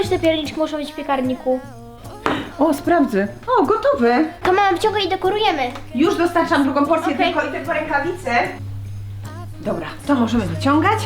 czy te pierniczki muszą być w piekarniku? O, sprawdzę. O, gotowe. To mama wyciąga i dekorujemy. Już dostarczam drugą porcję, Okej. tylko idę po rękawice. Dobra, to możemy wyciągać.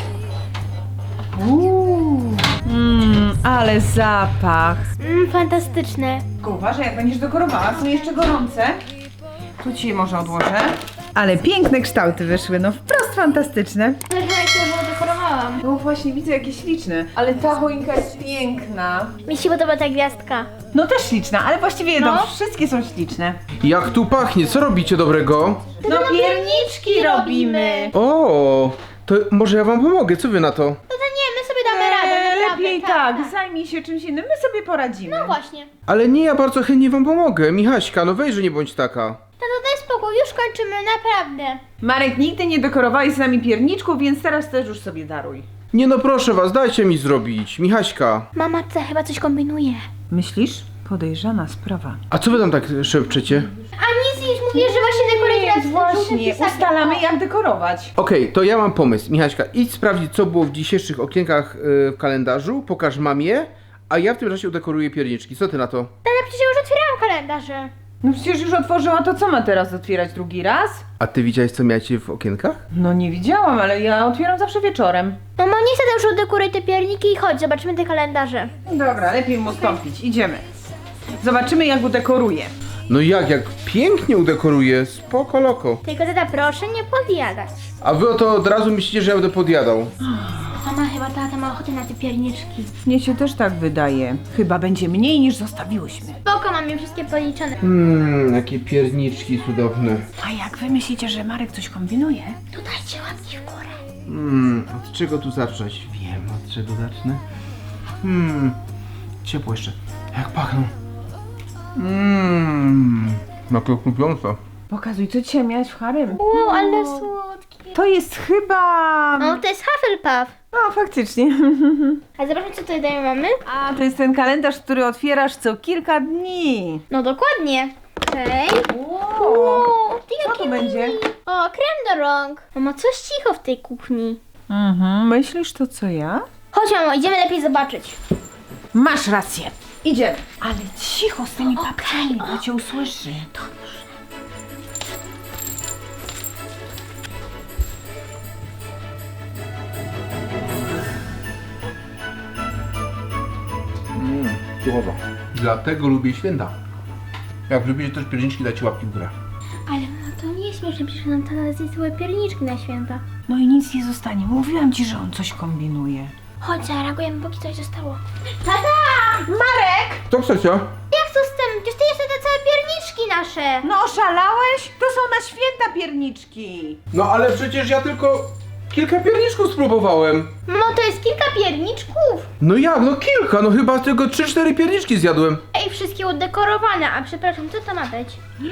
Ale zapach. Fantastyczne. Tylko uważaj, jak będziesz dekorowała, są jeszcze gorące. Tu ci je może odłożę. Ale piękne kształty wyszły, no wprost fantastyczne. Ale chyba jak już dekorowałam. No właśnie, widzę jakie śliczne. Ale ta choinka jest piękna. Mi się podoba ta gwiazdka. No też śliczna, ale właściwie No. wszystkie są śliczne. Jak tu pachnie, co robicie dobrego? No pierniczki robimy. O, to może ja wam pomogę, co wy na to? No to nie, my sobie damy radę, naprawdę. Lepiej tak, zajmij się czymś innym, my sobie poradzimy. No właśnie. Ale nie, ja bardzo chętnie wam pomogę. Michaśka, no weź, że nie bądź taka. Tato, daj spokój, już kończymy, naprawdę. Marek, nigdy nie dekorowałeś z nami pierniczków, więc teraz też już sobie daruj. Nie no, proszę was, dajcie mi zrobić. Michaśka. Mama ta chyba coś kombinuje. Myślisz? Podejrzana sprawa. A co wy tam tak szepczecie? A nic, mówię, że właśnie dekoruje nas Właśnie, ustalamy jak dekorować. Okej, to ja mam pomysł. Michaśka, idź sprawdzić, co było w dzisiejszych okienkach w kalendarzu, pokaż mamie, a ja w tym czasie udekoruję pierniczki. Co ty na to? Tata, przecież ja już otwierałam kalendarze. No przecież już otworzyła, to co ma teraz otwierać drugi raz? A ty widziałeś, co miałeś w okienkach? No nie widziałam, ale ja otwieram zawsze wieczorem. Mamo, nie chcę już udekuruj te pierniki i chodź, zobaczymy te kalendarze. Dobra, lepiej mu ustąpić, idziemy. Zobaczymy jak udekoruje. No jak pięknie udekoruję, spoko loko. Tylko tata, proszę nie podjadać. A wy o to od razu myślicie, że ja będę podjadał. Mama, chyba tata ma ochotę na te pierniczki. Mnie się też tak wydaje. Chyba będzie mniej niż zostawiłyśmy. Spoko, mam je wszystkie policzone. Jakie pierniczki cudowne. A jak wy myślicie, że Marek coś kombinuje? To dajcie łapki w górę. Od czego tu zacząć? Wiem, od czego zacznę. Ciepło jeszcze. Jak pachną. Jakie chrupiące. Pokazuj, co dzisiaj miałeś w harem. Wow, ale słodki. To jest chyba... No, to jest Hufflepuff. No, faktycznie. A zobaczmy, co tutaj dają mamy. A, to jest ten kalendarz, który otwierasz co kilka dni. No dokładnie. Okej. Wow. Ty Co jakie to będzie? mini. O, krem do rąk. Mamo, coś cicho w tej kuchni. Myślisz to co ja? Chodź, mamo, idziemy lepiej zobaczyć. Masz rację. Idziemy. Ale cicho z tymi papkami, bo cię usłyszy. Słowa. Dlatego lubię święta. Jak lubicie też pierniczki, dajcie łapki w górę. Ale mamo, to nie jest śmieszne, przecież nam tata zje całe pierniczki na święta. No i nic nie zostanie. Mówiłam ci, że on coś kombinuje. Chodź, zareagujemy, póki coś zostało. Tata! Marek! Co chcecie? Jak to z tym? Przecież ty jesz te całe pierniczki nasze. No oszalałeś? To są na święta pierniczki. No ale przecież ja tylko kilka pierniczków spróbowałem. Mamo, to jest kilka pierniczków. No jak? No kilka, no chyba tylko 3-4 pierniczki zjadłem. Ej, wszystkie udekorowane, a przepraszam, co to ma być?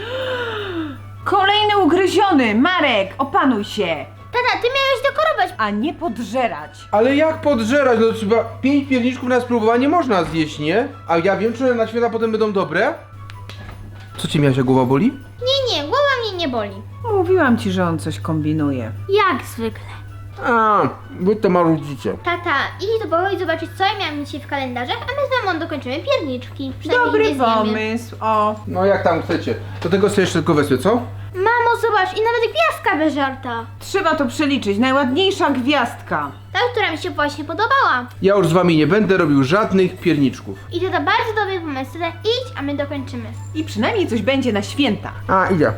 Kolejny ugryziony. Marek, opanuj się. Tata, ty miałeś dekorować. A nie podżerać. Ale jak podżerać? No chyba 5 pierniczków na spróbowanie można zjeść, nie? A ja wiem, czy one na święta potem będą dobre? Co cię miałaś, głowa boli? Nie, głowa mnie nie boli. Mówiłam ci, że on coś kombinuje. Jak zwykle. A, wy to marudzicie. Tata, idź do pokoju zobaczyć, co ja miałam dzisiaj w kalendarzach, a my z mamą dokończymy pierniczki. Przynajmniej Dobry nie zjemy. pomysł. O. No jak tam chcecie. Do tego sobie jeszcze tylko wezmę, co? Mamo, zobacz, i nawet gwiazdka bez żarta. Trzeba to przeliczyć. Najładniejsza gwiazdka. Ta, która mi się właśnie podobała. Ja już z wami nie będę robił żadnych pierniczków. I tata, bardzo dobry pomysł. Tata, idź, a my dokończymy. I przynajmniej coś będzie na święta. A, idę.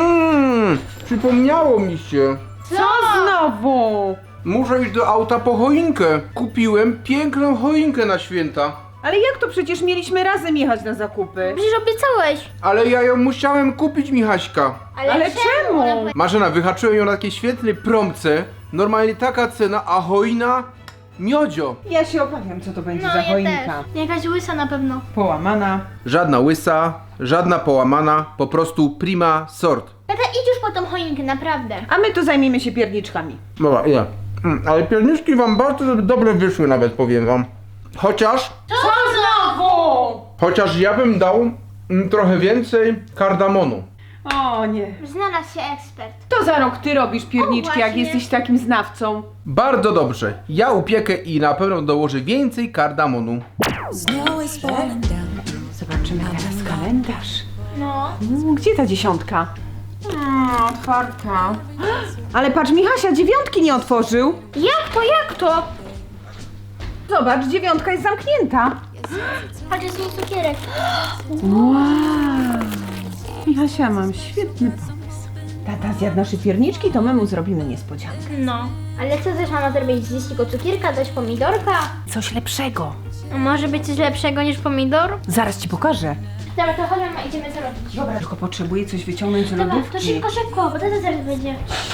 Przypomniało mi się. Co znowu? Muszę iść do auta po choinkę. Kupiłem piękną choinkę na święta. Ale jak to przecież mieliśmy razem jechać na zakupy? Przecież obiecałeś. Ale ja ją musiałem kupić, Michaśka. Ale czemu? Ona powie- Marzena, wyhaczyłem ją na takiej świetnej promce. Normalnie taka cena, a choina miodzio. Ja się obawiam, co to będzie No, za ja choinka. też. Jakaś łysa na pewno. Połamana. Żadna łysa, żadna połamana, po prostu prima sort. Tata, idź już po tą choinkę, naprawdę. A my tu zajmiemy się pierniczkami. Dobra, idę. Ale pierniczki wam bardzo dobre wyszły nawet, powiem wam. Chociaż Co znowu? ja bym dał trochę więcej kardamonu. O nie. Znalazł się ekspert. To za rok ty robisz pierniczki, O, jak właśnie. jesteś takim znawcą. Bardzo dobrze. Ja upiekę i na pewno dołożę więcej kardamonu. Zobaczymy teraz kalendarz. No. Gdzie ta 10? Otwarta. Ale patrz, Michasia 9 nie otworzył. Jak to? Zobacz, 9 jest zamknięta. Patrz, jest mój cukierek. Wow. Michasia, mam świetny pomysł. Tata zjadł nasze pierniczki, to my mu zrobimy niespodziankę. No. Ale co też mama zrobić? Zjeść tylko cukierka, dać pomidorka? Coś lepszego. Może być coś lepszego niż pomidor? Zaraz ci pokażę. Dobra, to chodźmy, mama, idziemy zrobić. Dobra, tylko potrzebuję coś wyciągnąć z Dobra, lodówki. to szybko, bo tata zaraz będzie.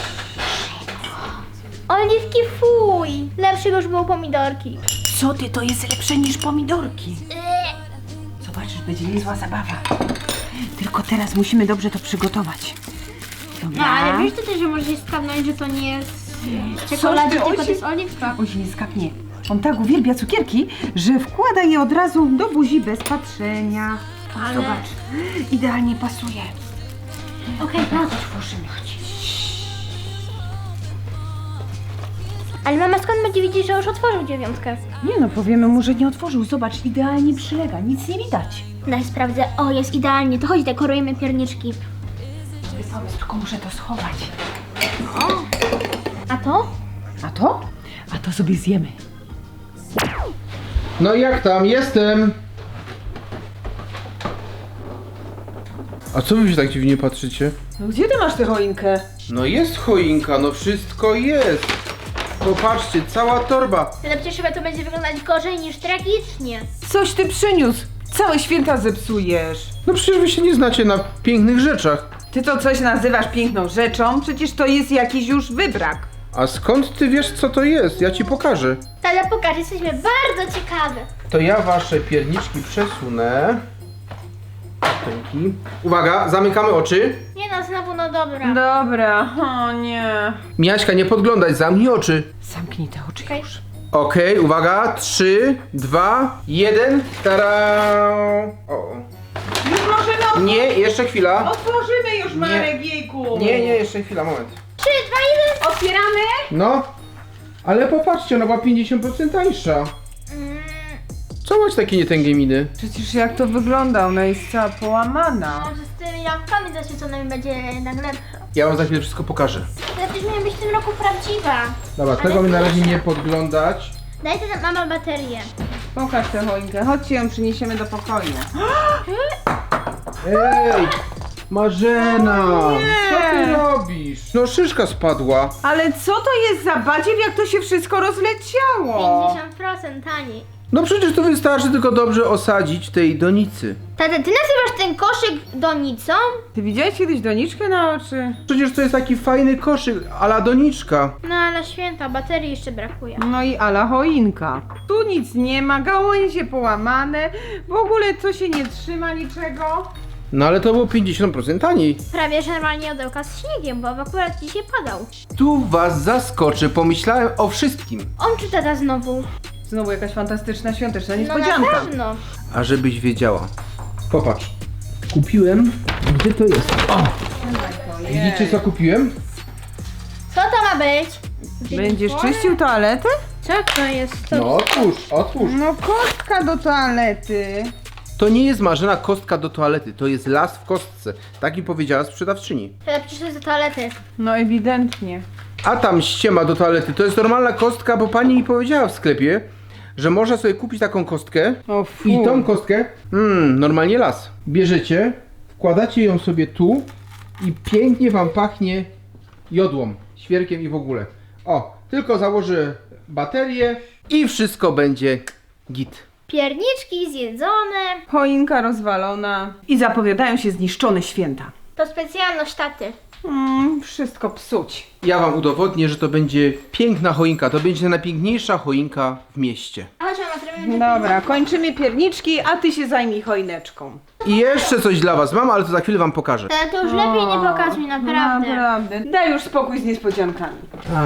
Oliwki, fuj! Lepsze już było pomidorki. Co ty, to jest lepsze niż pomidorki. Zobaczysz, będzie niezła zabawa. Tylko teraz musimy dobrze to przygotować. Dobra. No, ale wiesz też, że może się skapnąć, że to nie jest czekoladzie, ty, tylko oj, to jest oliwka. Oj, się nie skapnie. On tak uwielbia cukierki, że wkłada je od razu do buzi bez patrzenia. Ale- Zobacz, idealnie pasuje. Okej, no. Otworzymy, chodź. Ale mama skąd będzie widzieć, że już otworzył 9? Nie no, powiemy mu, że nie otworzył. Zobacz, idealnie przylega, nic nie widać. Daj sprawdzę. O, jest idealnie. To chodź, dekorujemy pierniczki. Dobry pomysł, tylko muszę to schować. A to? A to? A to sobie zjemy. No jak tam? Jestem! A co wy się tak dziwnie patrzycie? No gdzie ty masz tę choinkę? No jest choinka, no wszystko jest. Popatrzcie, cała torba. Ale przecież chyba to będzie wyglądać gorzej niż tragicznie. Coś ty przyniósł. Całe święta zepsujesz. No przecież wy się nie znacie na pięknych rzeczach. Ty to coś nazywasz piękną rzeczą? Przecież to jest jakiś już wybrak. A skąd ty wiesz, co to jest? Ja ci pokażę. Ale pokaż, jesteśmy bardzo ciekawe. To ja wasze pierniczki przesunę. Dzięki. Uwaga, zamykamy oczy. Nie no, znowu no dobra. Dobra, o nie. Miaśka, nie podglądaj, zamknij oczy. Zamknij te oczy Okej. już. Okej, uwaga, 3, 2, 1. Tara! O. Już możemy Nie, jeszcze chwila. otworzymy już, Marek, jejku. Nie, jeszcze chwila, moment. 3, 2, 1. Otwieramy? No, ale popatrzcie, ona była 50% tańsza. Co macie takie nietęgie miny? Przecież jak to wygląda, ona jest cała połamana. Może z tymi lampkami zaświeconymi będzie jednak lepsze. Ja wam za chwilę wszystko pokażę. Ale też miała być w tym roku prawdziwa. Dobra, tego mi na razie nie podglądać. Daj to mama baterię. Pokaż tę choinkę, chodźcie ją przyniesiemy do pokoju. Ej, Marzena! Nie. Co ty robisz? No szyszka spadła. Ale co to jest za badziew, jak to się wszystko rozleciało? 50% taniej. No przecież to wystarczy tylko dobrze osadzić w tej donicy. Tata, ty nazywasz ten koszyk donicą? Ty widziałeś kiedyś doniczkę na oczy? Przecież to jest taki fajny koszyk, a la doniczka. No ale święta, baterii jeszcze brakuje. No i ala choinka. Tu nic nie ma, gałęzie połamane, w ogóle to się nie trzyma niczego. No ale to było 50% taniej. Prawie że normalnie odełka z śniegiem, bo akurat dzisiaj padał. Tu was zaskoczę, pomyślałem o wszystkim. On czy tata znowu? Znowu jakaś fantastyczna świąteczna No na niespodzianka. pewno. A żebyś wiedziała. Popatrz. Kupiłem. Gdzie to jest? O! Widzicie co kupiłem? Co to ma być? Będziesz czyścił toaletę? Co to jest? To... No otwórz. No kostka do toalety. To nie jest Marzena kostka do toalety, to jest las w kostce. Tak mi powiedziała sprzedawczyni. Tata, przecież to jest do toalety. No ewidentnie. A tam ściema do toalety. To jest normalna kostka, bo pani mi powiedziała w sklepie, że można sobie kupić taką kostkę. O fu. I tą kostkę, normalnie las. Bierzecie, wkładacie ją sobie tu i pięknie wam pachnie jodłą, świerkiem i w ogóle. O, tylko założę baterię i wszystko będzie git. Pierniczki zjedzone. Choinka rozwalona. I zapowiadają się zniszczone święta. To specjalność taty. Wszystko psuć. Ja wam udowodnię, że to będzie piękna choinka. To będzie najpiękniejsza choinka w mieście. A chodź mama, zrobimy Dobra, kończymy pierniczki, a ty się zajmij choineczką. I jeszcze coś dla was mam, ale to za chwilę wam pokażę. Tata, to już lepiej nie pokazuj, naprawdę. Naprawdę. Daj już spokój z niespodziankami.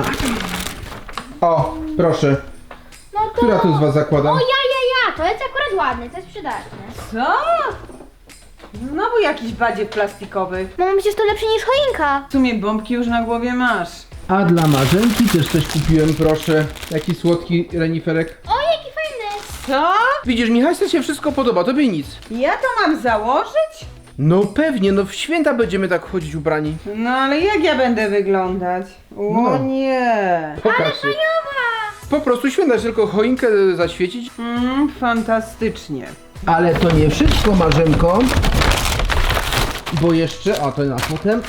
O, proszę. No to... Która tu z was zakłada? O ja. To jest akurat ładne, to jest przydatne. Co? Znowu jakiś badziew plastikowy. Mamo, przecież to lepsze niż choinka. W sumie bombki już na głowie masz. A dla Marzenki też coś kupiłem, proszę. Jaki słodki reniferek. O, jaki fajny. Co? Widzisz, Michaśce się wszystko podoba, tobie nic. Ja to mam założyć? No pewnie, no w święta będziemy tak chodzić ubrani. No ale jak ja będę wyglądać? O No. nie. Pokaż się. Po prostu święta, tylko choinkę zaświecić. Fantastycznie. Ale to nie wszystko, Marzenko. Bo jeszcze, a to na potem.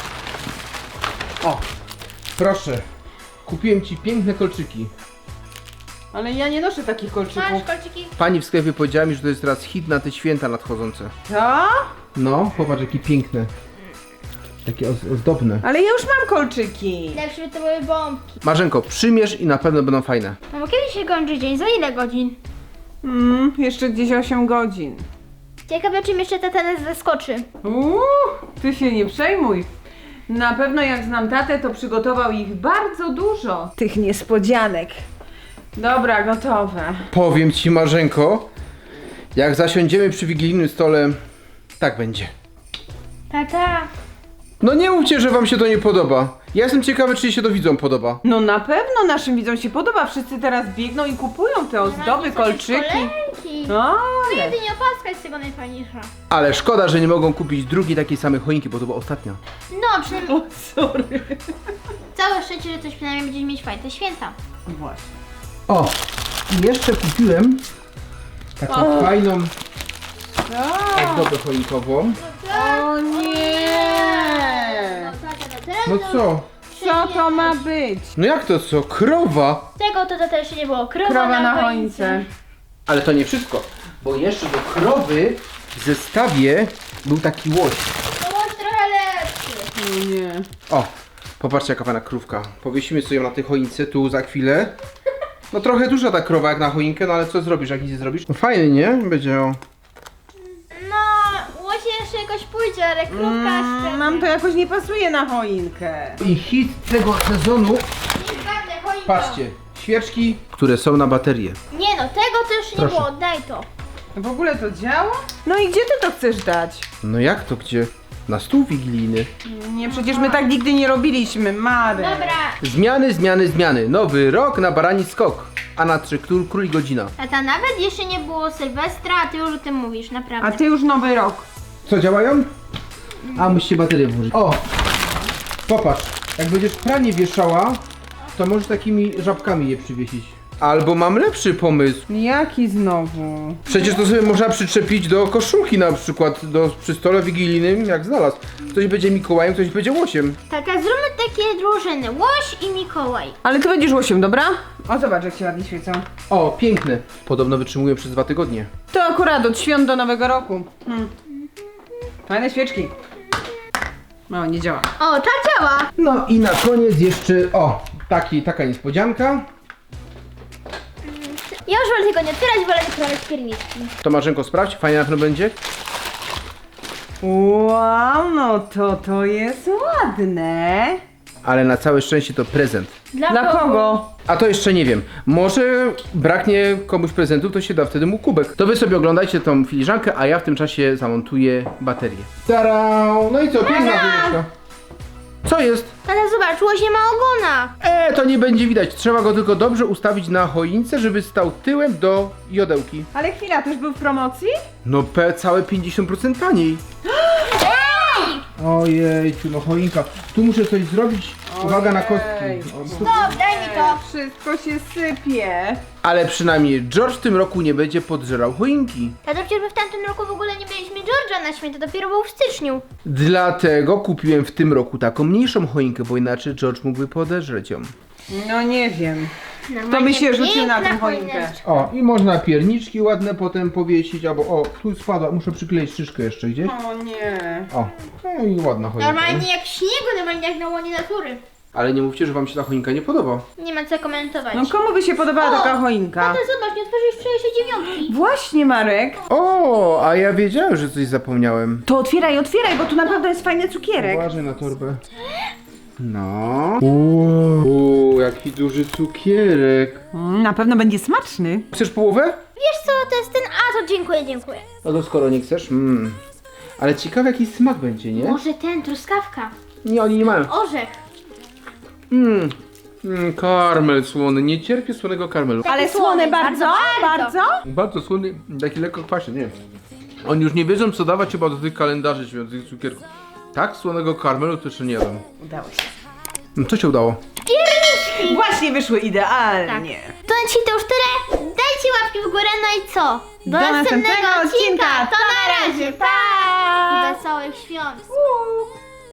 O, proszę. Kupiłem ci piękne kolczyki. Ale ja nie noszę takich kolczyków. Masz kolczyki? Pani w sklepie powiedziała mi, że to jest teraz hit na te święta nadchodzące. Co? No, popatrz, jakie piękne. Takie ozdobne. Ale ja już mam kolczyki. Lepsze by to były bombki. Marzenko, przymierz i na pewno będą fajne. No bo kiedy się kończy dzień? Za ile godzin? Jeszcze gdzieś 8 godzin. Ciekawe, czym jeszcze tata nas zaskoczy. Ty się nie przejmuj. Na pewno jak znam tatę, to przygotował ich bardzo dużo. Tych niespodzianek. Dobra, gotowe. Powiem ci, Marzenko, jak zasiądziemy przy wigilijnym stole, tak będzie. Tata. No nie mówcie, że wam się to nie podoba. Ja jestem ciekawy, czy się to widzom podoba. No na pewno naszym widzom się podoba. Wszyscy teraz biegną i kupują te ozdoby, kolczyki. Kolejki. No, ale... Jedynie opaska jest z tego najfajniejsza. Ale szkoda, że nie mogą kupić drugiej takiej samej choinki, bo to była ostatnia. No, przynajmniej O, sorry. całe szczęście, że coś przynajmniej będziemy mieć fajne święta. Właśnie. O, i jeszcze kupiłem taką fajną ozdobę choinkową. O nie! No co? Co to ma być? No jak to co? Krowa? Tego to tata jeszcze nie było. Krowa na choince. Ale to nie wszystko, bo jeszcze do krowy w zestawie był taki łoś. To bądź trochę lepszy. O nie. O, popatrzcie jaka fajna krówka. Powiesimy sobie ją na tej choince tu za chwilę. No trochę duża ta krowa jak na choinkę, no ale co zrobisz, jak nic nie zrobisz? No fajnie, nie? Będzie o... No, łosie jeszcze jakoś pójdzie, ale krówka jeszcze. Nam to jakoś nie pasuje na choinkę. I hit tego sezonu, Nie choinką. patrzcie, świeczki, które są na baterię. Nie no, tego to już nie Proszę. było, daj to. W ogóle to działa? No i gdzie ty to chcesz dać? No jak to gdzie? Na stół wigilijny. Nie, przecież my tak nigdy nie robiliśmy, Marek. Dobra. Zmiany. Nowy rok na barani skok. A na 3 król i godzina. Tata, nawet jeszcze nie było Sylwestra, a ty już o tym mówisz, naprawdę. A ty już nowy rok. Co, działają? A, musicie baterię włożyć. O! Popatrz, jak będziesz pranie wieszała, to możesz takimi żabkami je przywiesić. Albo mam lepszy pomysł. Jaki znowu? Przecież to sobie można przyczepić do koszulki na przykład, przy stole wigilijnym, jak znalazł. Ktoś będzie Mikołajem, ktoś będzie Łosiem. Tata, zróbmy takie drużyny, Łoś i Mikołaj. Ale ty będziesz łosiem, dobra? O, zobacz jak się ładnie świecą. O, piękne. Podobno wytrzymują przez 2 tygodnie. To akurat od świąt do nowego roku. Fajne świeczki. No, nie działa. O, ta działa. No i na koniec jeszcze, taka niespodzianka. Ja już wolę tego nie otwierać, wolę wyprawiać pierniczki. To Marzenko sprawdź, fajnie na pewno będzie. Wow, no to jest ładne. Ale na całe szczęście to prezent. Dla kogo? A to jeszcze nie wiem. Może braknie komuś prezentów, to się da wtedy mu kubek. To wy sobie oglądajcie tą filiżankę, a ja w tym czasie zamontuję baterię. Tara! No i co, piękna wyjeczka. Co jest? Tata, zobacz, Łoś nie ma ogona. To nie będzie widać. Trzeba go tylko dobrze ustawić na choince, żeby stał tyłem do jodełki. Ale chwila, też był w promocji? No całe 50% taniej. Ojejciu, no choinka. Tu muszę coś zrobić. Uwaga na Ojej. kostki. Stop, daj mi to. Wszystko się sypie. Ale przynajmniej George w tym roku nie będzie podżerał choinki. Tata, przecież my w tamtym roku w ogóle nie mieliśmy George'a na święta, dopiero był w styczniu. Dlatego kupiłem w tym roku taką mniejszą choinkę, bo inaczej George mógłby podeżreć ją. No nie wiem. Normalnie by się rzucił na piękna tę choinkę. choineczka. O, i można pierniczki ładne potem powiesić, albo o, tu spadła, muszę przykleić szyszkę jeszcze gdzieś. O nie. O, no i ładna choinka. Normalnie jak śniegu, normalnie jak na łonie natury. Ale nie mówcie, że wam się ta choinka nie podoba. Nie ma co komentować. No komu by się podobała taka choinka? Tata, zobacz, nie otworzyłeś wczorajszej 9. Właśnie, Marek. O, a ja wiedziałem, że coś zapomniałem. To otwieraj, bo tu naprawdę jest fajny cukierek. Uważaj na torbę. No. Uuu, jaki duży cukierek. Na pewno będzie smaczny. Chcesz połowę? Wiesz co, to jest ten... A, to dziękuję. No to skoro nie chcesz. Ale ciekawe jaki smak będzie, nie? Może ten, truskawka. Nie, oni nie mają. Orzech. Karmel słony, nie cierpię słonego karmelu. Ale słone bardzo, bardzo. Bardzo słony, taki lekko kwaśny, nie. Oni już nie wiedzą co dawać chyba do tych kalendarzy świątecznych cukierków. Tak słonego karmelu to jeszcze nie jadłem. Udało się. No co się udało? Właśnie wyszły idealnie. To na dzisiaj to już tyle. Dajcie łapki w górę, no i co? Do następnego odcinka. To na razie. Pa! I wesołych świąt.